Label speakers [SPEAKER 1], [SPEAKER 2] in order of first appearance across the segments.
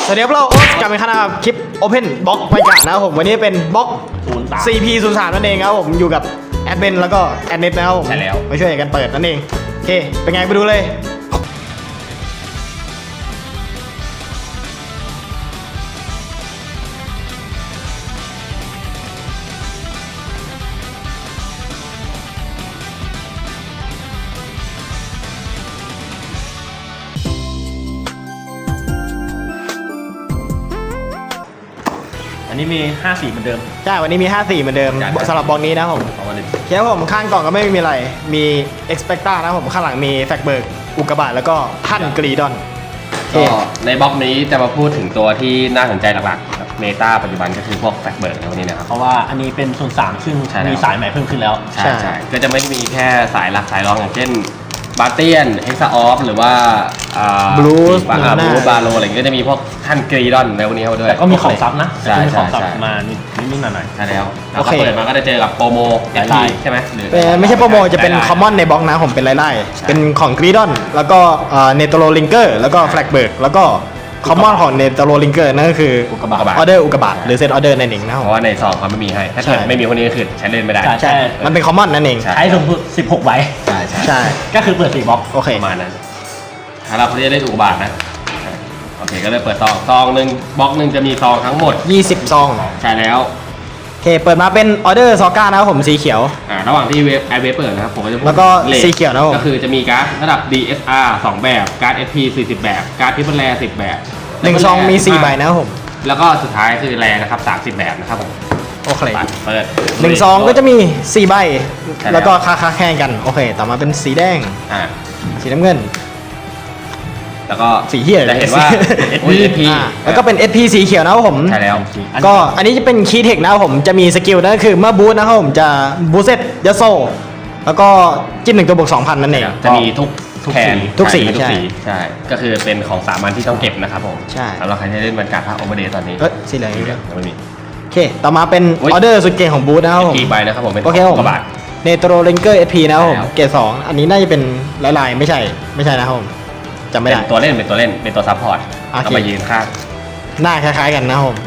[SPEAKER 1] สวัสดีครับเราโอ๊ตกลับมาอีกครั้งนะครับคลิป Open Box ไปกันนะครับผมวันนี้เป็นบล็อก CP03 นั่นเองครับผมอยู่กับแอดเบนแล้วก็แอดเน็ตนะครับผม
[SPEAKER 2] ใช่แล้ว
[SPEAKER 1] มาช่วยกันเปิดนั่นเองโอเคเป็นไงไปดูเลย
[SPEAKER 3] อันนี้มี5สีเหมือนเดิม
[SPEAKER 1] ใช่วันนี้มี5สีเหมือนเดิม
[SPEAKER 2] ใช่
[SPEAKER 1] สำหรับบล็อกนี้นะครับผม
[SPEAKER 2] ของวันนี้
[SPEAKER 1] แค่ผมข้างกล่องก็ไม่มีอะไรมี Expecta นะครับผมข้างหลังมีแฟกเบิร์กอุกกาบาตแล้วก็ท่านกรีดอน
[SPEAKER 2] ก็ในบล็อกนี้จะมาพูดถึงตัวที่น่าสนใจหลักๆเมตาปัจจุบันก็คือพวกแฟกเบิร์กในวันนี้นะครับ
[SPEAKER 3] เพราะว่าอันนี้เป็น03ซึ่ง
[SPEAKER 2] ใช่แล้ว
[SPEAKER 3] มีสายใหม่เพิ่มขึ้นแล้ว
[SPEAKER 2] ใช่ใช่ก็จะไม่ได้มีแค่สายหลักสายรองอย่างเช่นบาเตียนเฮกซาออฟหรือว่าบลูสบาโลอะไรก็จะมีพวกท่านกรีดอนในวันนี้เข้ามาด้วย
[SPEAKER 3] แต่ก็มีของซับนะ
[SPEAKER 2] ใช่
[SPEAKER 3] แต่ก็มีของซับ
[SPEAKER 2] ใช่
[SPEAKER 3] มานิดๆหน่อย
[SPEAKER 2] ใช่แล้วแล้วก็เปิดมาก็จะเจอกับโปรโม
[SPEAKER 3] หลาย
[SPEAKER 2] FT
[SPEAKER 3] ลาย
[SPEAKER 2] ใช่ไหมหรือ
[SPEAKER 1] ไม่ใช่โปรโมจะเป็น
[SPEAKER 2] หลาย
[SPEAKER 1] คอมมอนในบล็อกนะผมเป็นไล่ๆเป็นของกรีดอนแล้วก็เนโตโรลิงเกอร์แล้วก็แฟลกเบิร์กแล้วก็คอมมอนของเนโตโรลิงเกอร์นั่นก็คือ
[SPEAKER 3] อุกกาบาต
[SPEAKER 1] ออเดอร์อุกกาบาตหรือเซตออเดอร์นั่นเองนะค
[SPEAKER 2] เพ
[SPEAKER 1] รับ
[SPEAKER 2] ราะว่าในซองเขาไม่มีให้ถ้าเกิด
[SPEAKER 1] ใช่
[SPEAKER 2] ไม่มีคนนี้ก็คือใช้เล่นไม่ได้
[SPEAKER 3] ใช่
[SPEAKER 1] ใช่มันเป็นคอมมอนนั่นเอง
[SPEAKER 2] ใช่
[SPEAKER 3] ๆใช้สูงสุด16ใบ
[SPEAKER 2] ใช่ใช่
[SPEAKER 1] ใช่
[SPEAKER 3] ก็คือเปิด4บล็อก
[SPEAKER 1] โอเค
[SPEAKER 2] ประมาณนั้นถ้าเราจะได้อุกกาบาตนะโอเคก็เลยเปิดซองหนึ่งบล็อกหนึ่งจะมีซองทั้งหมด
[SPEAKER 1] 20ซอง
[SPEAKER 2] ใช่แล้ว
[SPEAKER 1] โอเคเปิดมาเป็นออเดอร์ซอก้านะครับผมสีเขียว
[SPEAKER 2] ระหว่างที่ไอเวฟเปิดนะครับผมก็จะพูด
[SPEAKER 1] แล้วก็
[SPEAKER 2] รท
[SPEAKER 1] สีเขียวนะครับผม
[SPEAKER 2] ก็คือจะมีการ์ดระดับ DSR 2 แบบการ์ด SP 40 แบบการ์ดทิปเปิลแร10 แบบ
[SPEAKER 1] 1ซองมี4ใบนะครับผม
[SPEAKER 2] แล้วก็สุดท้ายคือแรนะครับ30 แบบนะครับผม
[SPEAKER 1] โอเค
[SPEAKER 2] ปัดเปิด
[SPEAKER 1] 1ซองก็จะมี4ใบ
[SPEAKER 2] ใช่แล้ว
[SPEAKER 1] แล้วก็ค่าแข่งกันโอเคต่อมาเป็นสีแดง
[SPEAKER 2] อ่า
[SPEAKER 1] สีน้ำเงิน
[SPEAKER 2] แล้วก็
[SPEAKER 1] สีเหี้ย
[SPEAKER 2] จะเห็นว่า SP
[SPEAKER 1] แล้วก็เป็น SP สีเขียวนะครับผม
[SPEAKER 2] ใช่แล้ว
[SPEAKER 1] ก็อันนี้จะเป็นคีย์เทคนะครับผมจะมีสกิลนั่นก็คือเมื่อบูทนะครับผมจะบูทเซตยัสโซแล้วก็จิ้ม1ตัวบวก 2,000 นั่นเอง
[SPEAKER 2] จะมีทุกแผน
[SPEAKER 1] ทุกสี
[SPEAKER 2] ทุก
[SPEAKER 1] ใช่
[SPEAKER 2] สีใช่ก็คือเป็นของสามัญที่ต้องเก็บนะครับผม
[SPEAKER 1] ใช่
[SPEAKER 2] สำหรับใครที่เล่นบรรยากาศภาคโอเวอร์เดย์ตอนนี้
[SPEAKER 1] สีเหลือง
[SPEAKER 2] สีเหลืองยังไม่มี
[SPEAKER 1] โอเคต่อมาเป็น
[SPEAKER 2] อุ๊
[SPEAKER 1] อย อเดอร์สุดเก่งของบูทนะครับผม
[SPEAKER 2] กี่ใบนะครับผมเป็น
[SPEAKER 1] โอเคครับผม
[SPEAKER 2] กระบาด
[SPEAKER 1] เนโตรเลนเกอร์ SP นะครับผม
[SPEAKER 2] ใช่แล้ว
[SPEAKER 1] เกรด2อันนี้น่าจะเป็นลายๆไม่ใช่นะครับผมจำไม่
[SPEAKER 2] เป็
[SPEAKER 1] ได้
[SPEAKER 2] นตัวเล่นเป็นตัวซัพพอร์ต
[SPEAKER 1] โอเค
[SPEAKER 2] เอามายืนข้าง
[SPEAKER 1] หน้าคล้ายๆกันนะครับผม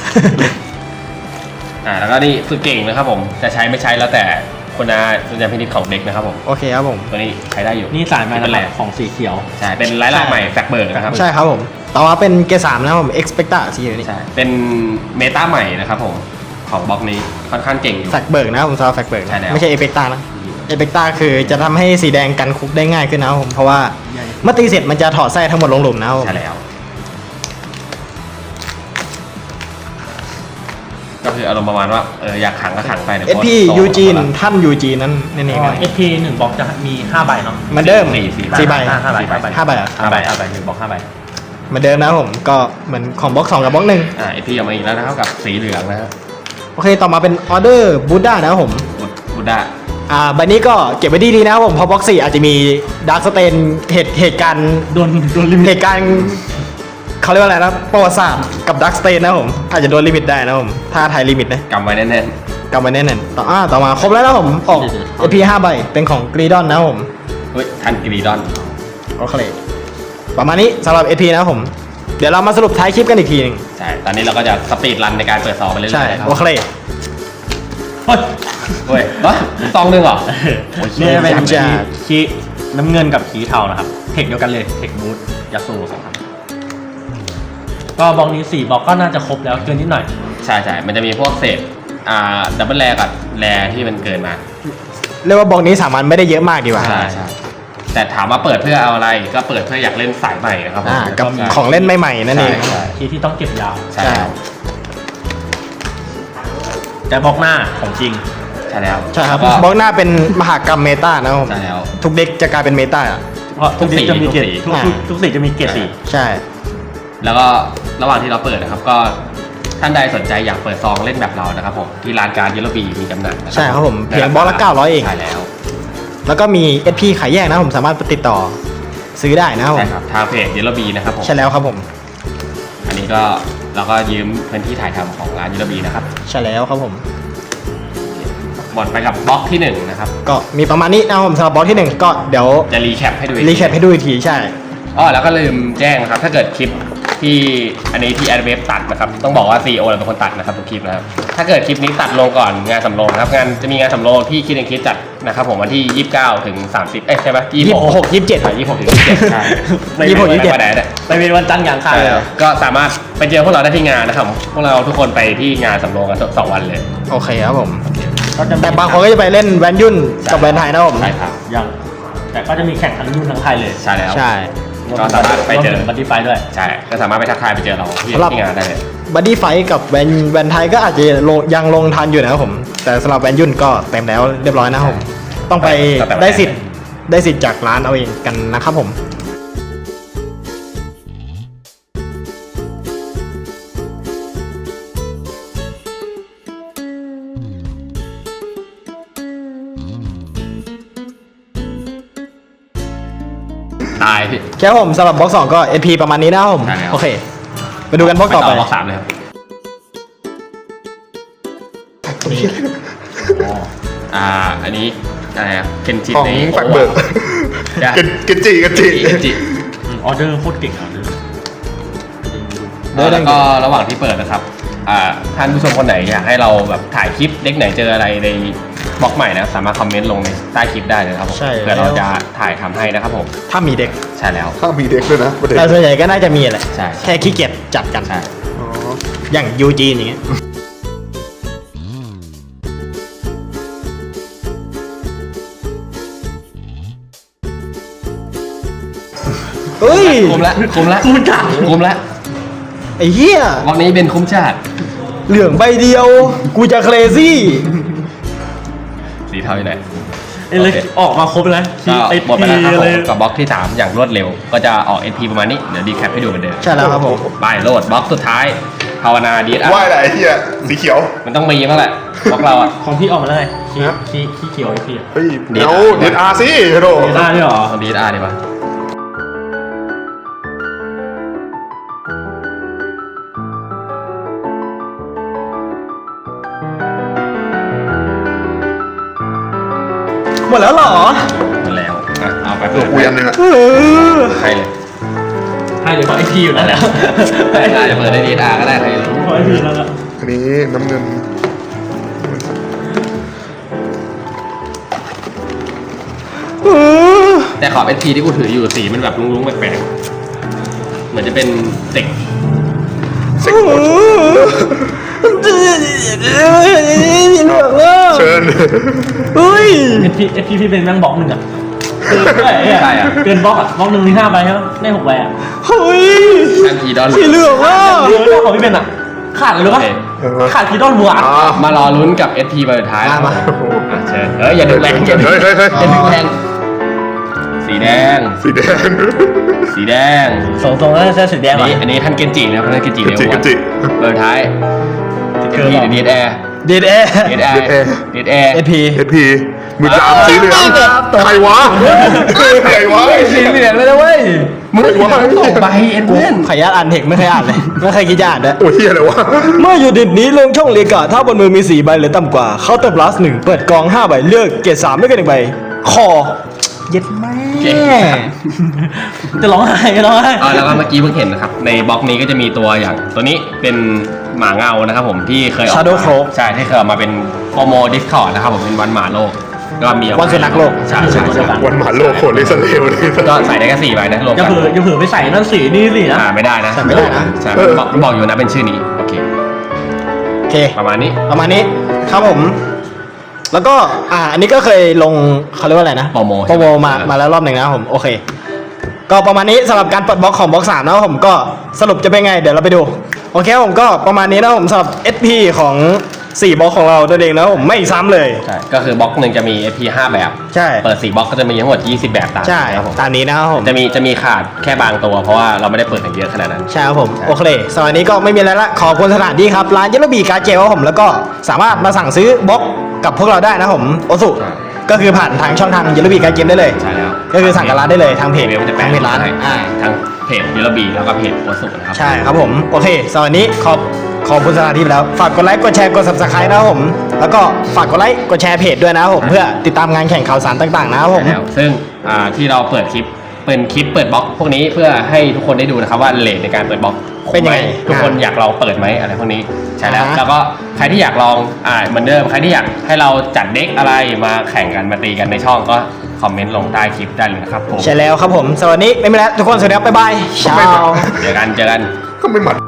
[SPEAKER 2] แล้วก็นี่คือเก่งนะครับผมจะใช้ไม่ใช้แล้วแต่คุณสุญญาพินิจของเด็กนะครับผม
[SPEAKER 1] โอเคครับผม
[SPEAKER 2] ตัวนี้ใช้ได้อยู่
[SPEAKER 3] นี่สายใหม่
[SPEAKER 2] เป็น
[SPEAKER 3] นะ
[SPEAKER 2] แร
[SPEAKER 3] ครับของสีเขียว
[SPEAKER 2] ใช่เป็นไลน์ใหม่แฟกเบิร์กนะครับ
[SPEAKER 1] ใช่ครับผมต่อมาเป็นเกรด3นะครับผม Expecta สีเหลืองนี่
[SPEAKER 2] ใช่เป็นเมตาใหม่นะครับผมของบล็อกนี้ค่อนข้างเก่งอยู่
[SPEAKER 1] แฟกเบิร์กนะครับผมสำหรับแฟกเบิร์ก
[SPEAKER 2] ใช่แล้ว
[SPEAKER 1] ไม่ใช่ Expecta นะ Expecta คือจะทำให้สีแดงกันคุกได้ง่ายขึ้นนะครับผมเพราะว่าเมื่อตีเสร็จมันจะถอดไส้ทั้งหมดลงหลุมนะครับผม
[SPEAKER 2] ใช่แล้วก็คืออารมณ์ประมาณว่าอยากขังก็ขังไปเดี๋ยว
[SPEAKER 1] SP ยูจีนท่านยูจีนนั่นเองครับ
[SPEAKER 3] SP 1บล็อกจะมี5ใบเนาะ
[SPEAKER 1] เหมือนเดิม
[SPEAKER 2] สี่ใบ
[SPEAKER 1] 4 ใบ
[SPEAKER 3] 5ใบ
[SPEAKER 1] 5ใบเหรอ
[SPEAKER 3] 5ใบ1บล็อก5ใบ
[SPEAKER 1] เหมือนเดิมนะครับผมก็เหมือนของบล็อก2กับบล็อก1
[SPEAKER 2] ไอพีออกมาอีกแล้วนะครับกับสีเหลืองนะครับ
[SPEAKER 1] โอเคต่อมาเป็นออเดอร์บูด้านะครับผม
[SPEAKER 2] บูด้า
[SPEAKER 1] ใบนี้ก็เก็บไว้ดีๆนะครับผมเพราะบล็อก4อาจจะมีดาร์คสเตนเหตุการณ์
[SPEAKER 3] โดนลิมิ
[SPEAKER 1] เห
[SPEAKER 3] ต
[SPEAKER 1] ตุการณ์เขาเรียกว่าอะไรนะประวัติศาสตร์กับดาร์คสเตนนะครับผมอาจจะโดนลิมิตได้นะครับผมถ้าไทยลิมิตนะ
[SPEAKER 2] กำไว้แน่น
[SPEAKER 1] กลับมาแน่นๆต่อมาครบแล้วนะครับผมออก AP 5 ใบเป็นของกรีดอนนะครับผม
[SPEAKER 2] ๆเฮ้ยทันกรีดอน
[SPEAKER 1] โอเคประมาณนี้สำหรับ AP นะครับผมเดี๋ยวเรามาสรุปท้ายคลิปกันอีกทีหนึง
[SPEAKER 2] ใช่ตอนนี้เราก็จะสปีดรันในการเปิดซองไปเรื่อยๆ
[SPEAKER 1] ใช่
[SPEAKER 2] นะครับ
[SPEAKER 1] โอเค
[SPEAKER 3] เฮ้ย
[SPEAKER 2] เฮ้ยซองหนึ่งเหรอ
[SPEAKER 3] นี่เป็น
[SPEAKER 1] จะ
[SPEAKER 3] คีน้ำเงินกับขีเทานะครับเทคเดียวกันเลยเทคบูทยาสูครับก็บล็อกนี้4บล็อกก็น่าจะครบแล้วเกินนิดหน่อย
[SPEAKER 2] ใช่มันจะมีพวกเศษดับเบิลแรกับแรที่มันเกินมา
[SPEAKER 1] เรียกว่าบล็อกนี้สามัญไม่ได้เยอะมากดีกว่า
[SPEAKER 2] ใช่แต่ถามว่าเปิดเพื่อเอาอะไรก็เปิดเพื่ออยากเล่นสายใหม่นะครับผม
[SPEAKER 1] กับของเล่นใหม่ๆนั่นเอง
[SPEAKER 2] ใช่
[SPEAKER 3] คีที่ต้องเก็บยาว
[SPEAKER 2] ใช่แล้ว
[SPEAKER 3] แต่บล็อกหน้าของจริง
[SPEAKER 2] ใช่แล้ว
[SPEAKER 1] ใช่ครับ
[SPEAKER 2] แล้ว
[SPEAKER 1] บล็อกหน้าเป็นมหากรรมเมตานะครับผม
[SPEAKER 2] ใช่แล้ว
[SPEAKER 1] ทุกเด็กจะกลายเป็นเมตา
[SPEAKER 3] เพราะทุกสีจะมีเกรด
[SPEAKER 2] ทุกสี
[SPEAKER 3] ทุกสีจะมีเกรดสี
[SPEAKER 1] ใช่
[SPEAKER 2] แล้วก็ระหว่างที่เราเปิดนะครับก็ท่านใดสนใจอยากเปิดซองเล่นแบบเรานะครับผมที่ร้านการยูโรบีมีจำหน่ายนะ
[SPEAKER 1] ใช่ครับผมเพียงบล็อกละ900เอง
[SPEAKER 2] ใช่แล้ว
[SPEAKER 1] แล้วก็มี SP ขายแยกนะครับผมสามารถติดต่อซื้อได้นะครับผม
[SPEAKER 2] ใช่ครับทางเพจยูโรบีนะครับผม
[SPEAKER 1] ใช่แล้วครับผม
[SPEAKER 2] อันนี้ก็เราก็ยืมพื้นที่ถ่ายทำของร้านยูโรบีนะครับ
[SPEAKER 1] ใช่แล้วครับผม
[SPEAKER 2] หมดไปกับบล็อกที่1นะครับ
[SPEAKER 1] ก็มีประมาณนี้นะครับผมสำหรับบล็อกที่ 1 ก็เดี๋ยว
[SPEAKER 2] จะรีแคปให้ดูอีก
[SPEAKER 1] รีแคปให้ดูอีกทีใช่
[SPEAKER 2] แล้วก็ลืมแจ้งนะครับถ้าเกิดคลิปที่อันนี้ที่แอดเวฟตัดนะครับต้องบอกว่า CEO เราเป็นคนตัดนะครับทุกคลิปนะครับถ้าเกิดคลิปนี้ตัดลงก่อนงานสำโรงนะครับงานจะมีงานสำโรงที่คิดเองคิดจัดนะครับผมวันที่ 29 ถึง 30ใช่ไหม
[SPEAKER 1] 26 27
[SPEAKER 2] 26 ถึง 27ใช่
[SPEAKER 1] 26 27
[SPEAKER 2] ไปไหนเนี่ย
[SPEAKER 3] ไปเป็นวันจันทร์อย่างคา
[SPEAKER 2] ใช่แล้วก็สามารถไปเจอพวกเราได้ที่งานนะครับพวกเราทุกคนไปที่งานสำโรงกัน2 วันเลย
[SPEAKER 1] โอเคครับผม
[SPEAKER 3] ก็จะมี
[SPEAKER 1] แต่บางคนก็จะไปเล่นแวนยุ่นกับแวนไทยนะผม
[SPEAKER 2] ใช่ครับ
[SPEAKER 3] ยังแต่ก็จะมีแข่งทั้งยุ่นทั้งไทยเลย
[SPEAKER 2] ใช่แล้ว
[SPEAKER 1] ใช่
[SPEAKER 2] ก็สามารถไปเจอ
[SPEAKER 3] บัตตี้ไฟด้วย
[SPEAKER 2] ใช่ก็สามารถไปทักทายไปเจอเราที่
[SPEAKER 1] สำหรับ
[SPEAKER 2] ที่งานได้เลย
[SPEAKER 1] บัดดี้ไฟกับแวนไทยก็อาจจะยังลงทันอยู่นะครับผม แต่สำหรับแวนยุ่นก็เต็มแล้วเรียบร้อยนะครับผม ต้องไปได้สิทธิ์จากร้านเอาเองกันนะครับผม
[SPEAKER 2] ตายพี่
[SPEAKER 1] แค่ผมสำหรับบล็อก2ก็ SP ประมาณนี้นะครับผม
[SPEAKER 2] ใช่แล้ว
[SPEAKER 1] โอเค ไปดูกันบล็อกต่อไป
[SPEAKER 2] บล็อก3เลยครับอันนี้อะไรอะเคนจิ
[SPEAKER 4] ของ
[SPEAKER 2] ใน
[SPEAKER 4] ฝักเบิก
[SPEAKER 2] จ้ะ
[SPEAKER 4] เกนจิ
[SPEAKER 2] เคนจิ
[SPEAKER 3] ออเดอร์โคตรเก่งออเดอร์
[SPEAKER 2] แล้วก็ระหว่างที่เปิดนะครับท่านผู้ชมคนไหนอยากให้เราแบบถ่ายคลิปเด็กไหนเจออะไรในบล็อกใหม่นะสามารถคอมเมนต์ลงในใต้คลิปได้เลยครับผม
[SPEAKER 1] ใช่
[SPEAKER 2] เพื่อเราจะถ่ายทำให้นะครับผม
[SPEAKER 1] ถ้ามีเด็ก
[SPEAKER 2] ใช่แล้ว
[SPEAKER 4] ถ้ามีเด็กด้วยนะประเด็น
[SPEAKER 1] แต่ส่วนใหญ่ก็น่าจะมีแหละ
[SPEAKER 2] ใช่
[SPEAKER 1] แค่ขี้เกียจจัดกัน
[SPEAKER 2] ใช่
[SPEAKER 4] อ๋อ
[SPEAKER 1] อย่างยูจีนอย่างเงี้ย เฮ้ย
[SPEAKER 2] คุ้มละ
[SPEAKER 1] ไอ้เหี้ย
[SPEAKER 2] บล็อกนี้เป็นคุ้มชาติ
[SPEAKER 1] เหลืองใบเดียว กูจะเครซี่
[SPEAKER 2] สีเทาอยู่ไหน
[SPEAKER 3] เอ้ยเลยออกมาครบเลย
[SPEAKER 2] ก็หมดไปแล้วครับผ
[SPEAKER 3] เลย
[SPEAKER 2] มกับบล็อกที่ 3 อย่างรวดเร็ว ก็จะออก NP ประมาณนี้ เดี๋ยวดีแคปให้ดูเหมือนเดิม
[SPEAKER 1] ใช่แล้วครับผม
[SPEAKER 2] ไปโหลดบล็อกสุดท้าย ภาวนาดี
[SPEAKER 4] ว่าอะไรไอ้เหี้ยสีเขียว
[SPEAKER 2] มันต้องมีบ้างแหละบล็อกเราอ่ะ
[SPEAKER 3] ของพี่ออกมาแล้วไงขี้
[SPEAKER 4] ฮะ
[SPEAKER 3] ขี้เขียวไอ้พี่อะ
[SPEAKER 4] เฮ้ย
[SPEAKER 2] เดี๋
[SPEAKER 4] เดี๋
[SPEAKER 2] ย
[SPEAKER 4] ยว วเดนอาร์สิโด
[SPEAKER 3] ได้ด้วยเหรอ
[SPEAKER 2] เอาดีดีป่ะ
[SPEAKER 1] หมดแล้วเหรอ
[SPEAKER 2] หมดแล้วอ่ะเอาไป
[SPEAKER 4] ตัว
[SPEAKER 2] เปิด
[SPEAKER 4] กูยันหนึ่งอะ
[SPEAKER 1] เออ
[SPEAKER 2] ใครเลย
[SPEAKER 3] ให้เลยเพราะไอพีอยู่นั่นแหละ
[SPEAKER 2] ได้จะเปิดได้ดีก็ได้ใครเลย
[SPEAKER 3] เพราะไอพีนั่นแหละ
[SPEAKER 4] อันนี้น้ำเงิน
[SPEAKER 1] เออ
[SPEAKER 2] แต่ขอบ NP ที่กูถืออยู่สีมันแบบลุ้งๆแปลกๆเหมือนจะเป็นเด็ก
[SPEAKER 4] เซ็กโคตรเชิญ
[SPEAKER 1] เฮ้ย
[SPEAKER 3] เอพีพี่เป็นแม่งบล็อกหนึ่งอะเกินไปอะเกินบล็อกอะบล็อกหนึ่งมี5 ใบใช่ไหมได้6 ใบอะ
[SPEAKER 1] เฮ้ย
[SPEAKER 2] อันพีดอน
[SPEAKER 1] สีเหลืองอ่ะ
[SPEAKER 3] เยอะนะของพี่เป็นอะขาดเลยหรือปะขาดกีดอนบัว
[SPEAKER 4] อ่าม
[SPEAKER 2] ารอลุ้นกับ SP ใบสุดท้าย
[SPEAKER 1] มา
[SPEAKER 2] อ่ะเชิญเฮ้ยอย่าดึงแรงอย่าดึง
[SPEAKER 4] เฮ้ย
[SPEAKER 2] อย่าดึงแรงสีแดง
[SPEAKER 4] สีแดง
[SPEAKER 2] สีแดง
[SPEAKER 3] ทรงๆน่าจะสีแดง
[SPEAKER 2] อันนี้ท่านเกนจินะครับท่านเกนจิ
[SPEAKER 4] เกนจิ
[SPEAKER 2] เร็ว
[SPEAKER 4] เกนจิ
[SPEAKER 2] เบอร์ท้าย
[SPEAKER 3] เกิ
[SPEAKER 2] เก
[SPEAKER 3] น
[SPEAKER 2] น
[SPEAKER 3] หรอ
[SPEAKER 2] จิดีแอร์
[SPEAKER 1] ดีดแอร์
[SPEAKER 2] ดีแอร์ดีแอร์
[SPEAKER 1] เอพี
[SPEAKER 4] เอสพีมือดามสีเหลืองใครวะใครวะ
[SPEAKER 2] สีเหลืองเลยนะเว้ยมึง
[SPEAKER 4] ใครวะ
[SPEAKER 2] ส่งใบเอ็นเพื่อน
[SPEAKER 1] ขออนุญาตอ่านเทคไม่เคยอ่านเลย ไม่เคยคิดจะอ่านด้วย
[SPEAKER 4] โอ้ยเหี้ยอะไรวะ
[SPEAKER 1] เมื่อยูนิตนี้ลงช่องเรียกะถ้าบนมือมี4 ใบหรือต่ำกว่าเคาน์เตอร์พลัส1เปิดกอง 5 ใบเลือกเกรด3ไม่เกิน1 ใบ คอ เย็ดแม่
[SPEAKER 3] จะร้องไห้จะร้องไห้
[SPEAKER 2] แล้วก็เมื่อกี้เพิ่งเห็นนะครับในบล็อกนี้ก็จะมีตัวอย่างตัวนี้เป็นหมาเงานะครับผมที่เคยออก
[SPEAKER 1] Shadow
[SPEAKER 2] มา
[SPEAKER 1] Cloak
[SPEAKER 2] ใช่ที่เคยออกมาเป็นโปรโมดิสคอร์ดนะครับผมเป็นวันหมาโลกก็มีออกมา
[SPEAKER 1] วันสุนัขโลก
[SPEAKER 2] ใช่ใช่ใช่
[SPEAKER 4] วันหมาโลกโคตรเลสเลวเลย
[SPEAKER 2] ก็ใส่ได้แค่4 ใบนะรวม
[SPEAKER 3] อย่า
[SPEAKER 2] กัน
[SPEAKER 3] เผลอไปใส่นั่นสีนี่สินะ
[SPEAKER 2] ไม่ได้นะ
[SPEAKER 1] ใส่ไม่ได้นะ
[SPEAKER 2] ใช่บอกอยู่นะเป็นชื่อนี้โอเค
[SPEAKER 1] โอเค
[SPEAKER 2] ประมาณนี้
[SPEAKER 1] ประมาณนี้ครับผม แล้วก็อันนี้ก็เคยลงเขาเรียกว่าอะไรนะ
[SPEAKER 2] โปรโม
[SPEAKER 1] โปรโมมาแล้วรอบหนึ่งนะครับผมโอเค ก็ประมาณนี้สำหรับการเปิดบล็อกของบล็อก3นะครับผมก็สรุปจะเป็นไงเดี๋ยวเราไปดูโอเคครับผมก็ประมาณนี้นะครับผมสำหรับ SP ของ4 บล็อกของเราตัวเองนะครับผมไม่ซ้ำเลย
[SPEAKER 2] ใช่ก็คือบล็อกหนึ่งจะมี SP 5 แบบ
[SPEAKER 1] ใช่
[SPEAKER 2] เปิด4 บล็อกก็จะมีทั้งหมด20 แบบตาม
[SPEAKER 1] ใช่
[SPEAKER 2] นะครับผม
[SPEAKER 1] ตามนี้นะครับผม
[SPEAKER 2] จะมีขาดแค่บางตัวเพราะว่าเราไม่ได้เปิดกันเยอะขนาดนั้น
[SPEAKER 1] ใช่ครับผมโอเคสำหรับวันนี้ก็ไม่มีอะไรละขอบคุณสถานที่ครับร้านเยลโลบีการ์ดเจลครับผมแล้วก็สามารถมาสั่งซื้อบล็อกกับพวกเราได้นะครับผมโอสุ
[SPEAKER 2] ใช่
[SPEAKER 1] ก็คือผ่านทางช่องทางเยลโลบีการ์ดเกมได้เลย
[SPEAKER 2] ใช่แล้ว
[SPEAKER 1] ก็คือสั่งกับร้านได้เลยทางเพจ
[SPEAKER 2] เว็บจะแปะ
[SPEAKER 1] ทางเพจร้าน
[SPEAKER 2] ให้
[SPEAKER 1] อ่า
[SPEAKER 2] ทั้งเพจยูโรบีแล้วก็เพจโอสุนะครับ
[SPEAKER 1] ใช่ครับผมโอเคสำหรับวันนี้ขอบคุณสถานที่ไปแล้วฝากกดไลค์กดแชร์กด subscribe นะครับผมแล้วก็ฝากกดไลค์กดแชร์เพจด้วยนะครับผมเพื่อติดตามงานแข่งข่าวสารต่างๆนะครับผม
[SPEAKER 2] ใช่แล้วซึ่งที่เราเปิดคลิปเป็นคลิปเปิดบล็อกพวกนี้เพื่อให้ทุกคนได้ดูนะครับว่าเลทในการเปิดบล็อก
[SPEAKER 1] เป็นยังไง
[SPEAKER 2] ทุกคนอยากลองเปิดไหมอะไรพวกนี้ใช่แล้ว
[SPEAKER 1] อ่าฮะ
[SPEAKER 2] แล้วก็ใครที่อยากลองเหมือนเดิมใครที่อยากให้เราจัดเด็กอะไรมาแข่งกันมาตีกันในช่องก็คอมเมนต์ลงใต้คลิปได้เลยนะครับผม
[SPEAKER 1] ใช่แล้วครับผมสวัสดีไม่มีแล้วทุกคนสวัสดีครับบ๊ายบาย
[SPEAKER 4] ไม่
[SPEAKER 1] เช้า
[SPEAKER 4] มา
[SPEAKER 2] เจอกัน
[SPEAKER 4] ก็ไม่หมัด